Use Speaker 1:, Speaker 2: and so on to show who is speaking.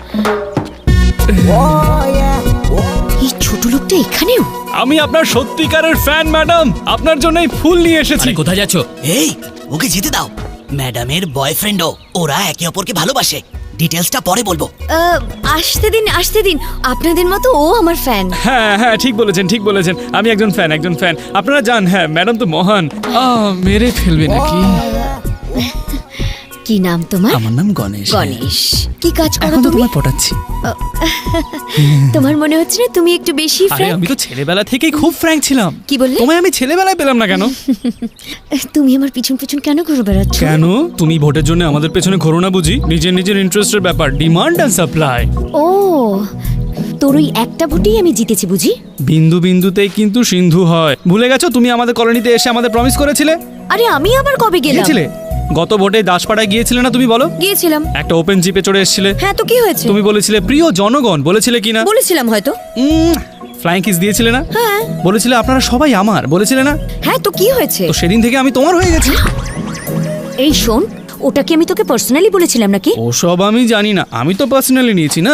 Speaker 1: এই ছোট লোকটা এখানেও?
Speaker 2: আমি আপনার সত্যিকারের ফ্যান ম্যাডাম, আপনার জন্যই ফুল নিয়ে এসেছি।
Speaker 3: কোথায় যাচ্ছ?
Speaker 4: এই ওকে যেতে দাও, ম্যাডামের বয়ফ্রেন্ডও, ওরা একে অপরকে ভালোবাসে। ডিটেলসটা পরে বলবো।
Speaker 1: আসতে দিন, আপনাদের মতো ও আমার ফ্যান।
Speaker 2: হ্যাঁ হ্যাঁ, ঠিক বলেছেন, আমি একজন ফ্যান। আপনারা জান, হ্যাঁ ম্যাডাম তো মহান। মেরে ফেলবে নাকি?
Speaker 1: কি নাম তোমার?
Speaker 3: আমার নাম গণেশ।
Speaker 1: গণেশ। কি কাজ করো
Speaker 3: এখন তো
Speaker 1: তুমি?
Speaker 3: তোমায় পটাচ্ছি।
Speaker 1: তোমার মনে হচ্ছে না তুমি একটু বেশি
Speaker 2: আরে
Speaker 1: ফ্র্যাঙ্ক?
Speaker 2: আমি তো ছেলেবেলা থেকেই খুব ফ্র্যাঙ্ক ছিলাম।
Speaker 1: কি বললে?
Speaker 2: তোমায় আমি ছেলেবেলায় পেলাম না কেন?
Speaker 1: তুমি আমার পিছন কেন ঘুরে বেড়াচ্ছ?
Speaker 2: কেন? তুমি ভোটের জন্য আমাদের পেছনে ঘোরো না বুঝি? নিজের ইন্টারেস্টের ব্যাপার, ডিমান্ড এন্ড সাপ্লাই।
Speaker 1: ও, তোর ওই একটা ভোটেই আমি জিতেছি বুঝি?
Speaker 2: বিন্দুতেই কিন্তু সিন্ধু হয়। ভুলে গেছো? তুমি আমাদের কলোনিতে এসে আমাদের প্রমিস করেছিলে।
Speaker 1: আরে আমি আবার কবে গেলাম?
Speaker 2: গিয়েছিলে গত ভোটে দাসপাড়ায় গিয়েছিলে না? তুমি বলো।
Speaker 1: গিয়েছিলাম।
Speaker 2: একটা ওপেন জিপে চড়ে এসেছিলে।
Speaker 1: হ্যাঁ, তো কি হয়েছে?
Speaker 2: তুমি বলেছিলে প্রিয় জনগণ, বলেছিলে কিনা?
Speaker 1: বলেছিলাম হয়তো।
Speaker 2: ফ্লাইং কিস দিয়েছিলে না?
Speaker 1: হ্যাঁ।
Speaker 2: বলেছিলে আপনারা সবাই আমার, বলেছিলে না?
Speaker 1: হ্যাঁ, তো কি হয়েছে?
Speaker 2: তো সেদিন থেকে আমি তোমার হয়ে গেছি।
Speaker 1: এই শোন, ওটা কি আমি তোকে পার্সোনালি বলেছিলাম নাকি?
Speaker 2: ওসব আমি জানি না, আমি তো পার্সোনালি নিয়েছি না।